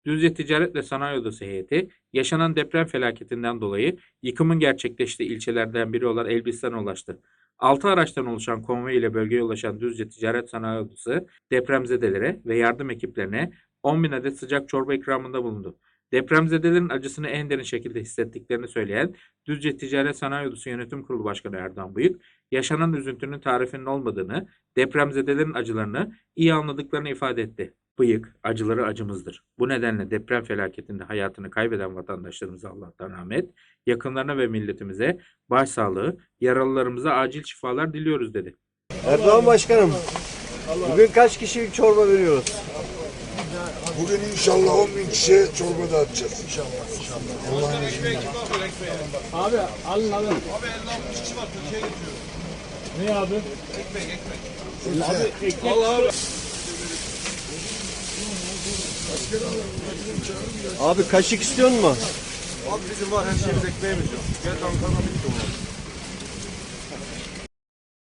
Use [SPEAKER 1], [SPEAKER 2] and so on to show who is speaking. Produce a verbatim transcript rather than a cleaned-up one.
[SPEAKER 1] Düzce Ticaret ve Sanayi Odası heyeti, yaşanan deprem felaketinden dolayı yıkımın gerçekleştiği ilçelerden biri olan Elbistan'a ulaştı. altı araçtan oluşan konvoy ile bölgeye ulaşan Düzce Ticaret Sanayi Odası, depremzedelere ve yardım ekiplerine on bin adet sıcak çorba ikramında bulundu. Depremzedelerin acısını en derin şekilde hissettiklerini söyleyen Düzce Ticaret Sanayi Odası Yönetim Kurulu Başkanı Erdoğan Bıyık, yaşanan üzüntünün tarifinin olmadığını, depremzedelerin acılarını iyi anladıklarını ifade etti. Bıyık, acıları acımızdır. Bu nedenle deprem felaketinde hayatını kaybeden vatandaşlarımıza Allah'tan rahmet, yakınlarına ve milletimize başsağlığı, yaralılarımıza acil şifalar diliyoruz dedi.
[SPEAKER 2] Erdoğan Başkanım, bugün kaç kişilik çorba veriyoruz?
[SPEAKER 3] Bugün inşallah on bin kişiye çorba dağıtacağız. İnşallah. İnşallah. Allah'ın izniyle.
[SPEAKER 4] Abi alın alın. Abi elli altmış kişi var Türkiye'ye getiriyor. Ne abi? Ekmek ekmek. Abi ekmek. Allah abi.
[SPEAKER 2] Abi kaşık istiyor mu?
[SPEAKER 4] Abi bizim var her şeyimiz ekmeğimiz yok. Gel Ankara'da bitti onlar.